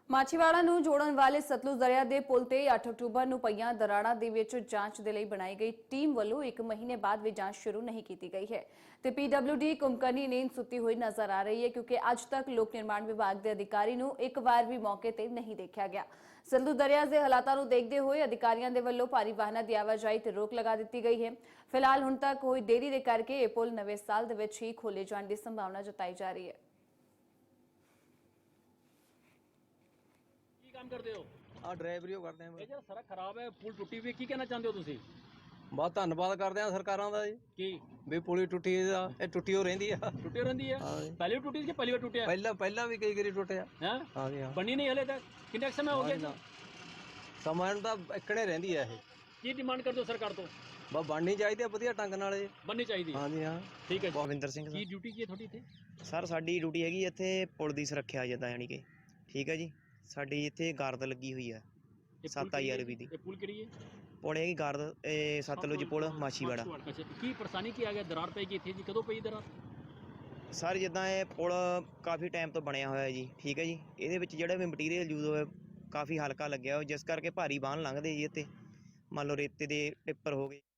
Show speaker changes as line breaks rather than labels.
ਮਾਛੀਵਾੜਾ ਨੂੰ ਜੋੜਨ ਵਾਲੇ ਸਤਲੁਜ ਦਰਿਆ ਦੇ ਪੁਲ ਤੇ 8 ਅਕਤੂਬਰ ਨੂੰ ਪਈਆਂ ਦਰਾੜਾਂ ਦੇ ਵਿੱਚ ਜਾਂਚ ਦੇ ਲਈ ਬਣਾਈ ਗਈ ਟੀਮ ਵੱਲੋਂ 1 ਮਹੀਨੇ ਬਾਅਦ ਵੀ ਜਾਂਚ ਸ਼ੁਰੂ ਨਹੀਂ ਕੀਤੀ ਗਈ ਹੈ ਤੇ ਪੀਡਬਲਿਊਡੀ ਕੁੰਭਕਰਨੀ ਨੀਂਦ ਸੁੱਤੀ ਹੋਈ ਨਜ਼ਰ ਆ ਰਹੀ ਹੈ ਕਿਉਂਕਿ ਅੱਜ ਤੱਕ ਲੋਕ ਨਿਰਮਾਣ ਵਿਭਾਗ ਦੇ ਅਧਿਕਾਰੀ ਨੂੰ ਇੱਕ ਵਾਰ ਵੀ ਮੌਕੇ ਤੇ ਨਹੀਂ ਦੇਖਿਆ ਗਿਆ। ਸਤਲੁਜ ਦਰਿਆ ਦੇ ਹਾਲਾਤਾਂ ਨੂੰ ਦੇਖਦੇ ਹੋਏ ਅਧਿਕਾਰੀਆਂ ਦੇ ਵੱਲੋਂ ਭਾਰੀ ਵਾਹਨਾਂ ਦੀ ਆਵਾਜਾਈ ਤੇ ਰੋਕ ਲਗਾ ਦਿੱਤੀ ਗਈ ਹੈ। ਫਿਲਹਾਲ ਹੁਣ ਤੱਕ ਹੋਈ ਦੇਰੀ ਦੇ ਕਰਕੇ ਇਹ ਪੁਲ ਨਵੇਂ ਸਾਲ ਦੇ ਵਿੱਚ ਹੀ ਖੋਲੇ ਜਾਣ ਦੀ ਸੰਭਾਵਨਾ ਜਤਾਈ ਜਾ ਰਹੀ ਹੈ।
काम करते हो
ਡਰਾਈਵਰੀ ਉਹ ਕਰਦੇ ਆ।
ਇਹ ਜਿਹੜਾ ਸੜਕ ਖਰਾਬ ਹੈ ਪੁਲ ਟੁੱਟੀ ਹੋਈ ਕੀ ਕਹਿਣਾ ਚਾਹੁੰਦੇ ਹੋ ਤੁਸੀਂ?
ਬਹੁਤ ਧੰਨਵਾਦ ਕਰਦੇ ਆ ਸਰਕਾਰਾਂ ਦਾ ਜੀ
ਕੀ
ਵੀ ਪੁਲੀ ਟੁੱਟੀ ਦਾ ਇਹ ਟੁੱਟੀ ਹੋ ਰਹਿੰਦੀ ਆ।
ਟੁੱਟੀ ਰਹਿੰਦੀ ਹੈ
ਹਾਂ ਜੀ।
ਪਹਿਲੇ ਵੀ ਟੁੱਟੀ ਸੀ ਕਿ ਪਹਿਲੀ ਵਾਰ ਟੁੱਟਿਆ?
ਪਹਿਲਾਂ ਵੀ ਕਈ ਵਾਰੀ ਟੁੱਟਿਆ।
ਹੈ
ਹਾਂ ਜੀ ਹਾਂ।
ਬਣੀ ਨਹੀਂ ਹਲੇ ਤੱਕ ਕਿੰਨਾ ਸਮਾਂ ਹੋ ਗਿਆ?
ਸਮਾਂ ਨੂੰ ਤਾਂ ਇੱਕਣੇ ਰਹਿੰਦੀ ਆ ਇਹ।
ਕੀ ਡਿਮਾਂਡ ਕਰਦੇ ਹੋ ਸਰਕਾਰ ਤੋਂ?
ਬਸ ਬਣਨੀ ਚਾਹੀਦੀ ਆ ਵਧੀਆ ਢੰਗ ਨਾਲ ਜੀ।
ਬਣਨੀ ਚਾਹੀਦੀ ਹੈ।
ਹਾਂ ਜੀ ਹਾਂ।
ਠੀਕ ਹੈ।
ਭਵਿੰਦਰ ਸਿੰਘ
ਕੀ ਡਿਊਟੀ ਕੀ ਹੈ ਤੁਹਾਡੀ ਇੱਥੇ?
ਸਰ ਸਾਡੀ ਡਿਊਟੀ ਹੈਗੀ ਇੱਥੇ ਪੁਲ ਦੀ ਸੁਰੱਖਿਆ ਜਿੱਦਾਂ ਯਾਨੀ ਕਿ ਠੀਕ ਹੈ ਜੀ। ਸਾਡੀ ਇੱਥੇ ਗਾਰਦ ਲੱਗੀ ਹੋਈ ਹੈ 7000 ਰੁਪਏ ਦੀ।
ਇਹ ਪੁਲ ਕਿਹੜੀ ਹੈ?
ਪੁਲ ਹੈਗੀ ਗਾਰਦ ਇਹ ਸਤਲੁਜ ਪੁਲ ਮਾਛੀਵਾੜਾ।
ਅੱਛਾ ਕੀ ਪਰੇਸ਼ਾਨੀ ਕੀ ਆ ਗਿਆ? ਦਰਾਰ ਪਈ ਗਈ ਇੱਥੇ ਜੀ, ਕਦੋਂ ਪਈ ਦਰਾਰ?
ਸਰ ਜਿੱਦਾਂ ਇਹ ਪੁਲ ਕਾਫੀ ਟਾਈਮ ਤੋਂ ਬਣਿਆ ਹੋਇਆ ਜੀ ਠੀਕ ਹੈ ਜੀ। ਇਹਦੇ ਵਿੱਚ ਜਿਹੜਾ ਵੀ ਮਟੀਰੀਅਲ ਯੂਜ਼ ਹੋਇਆ ਕਾਫੀ ਹਲਕਾ ਲੱਗਿਆ ਜਿਸ ਕਰਕੇ ਭਾਰੀ ਵਾਹਨ ਲੰਘਦੇ ਜੀ ਇੱਥੇ। ਮੰਨ ਲਓ ਰੇਤੇ ਦੇ ਟਿੱਪਰ ਹੋ ਗਏ।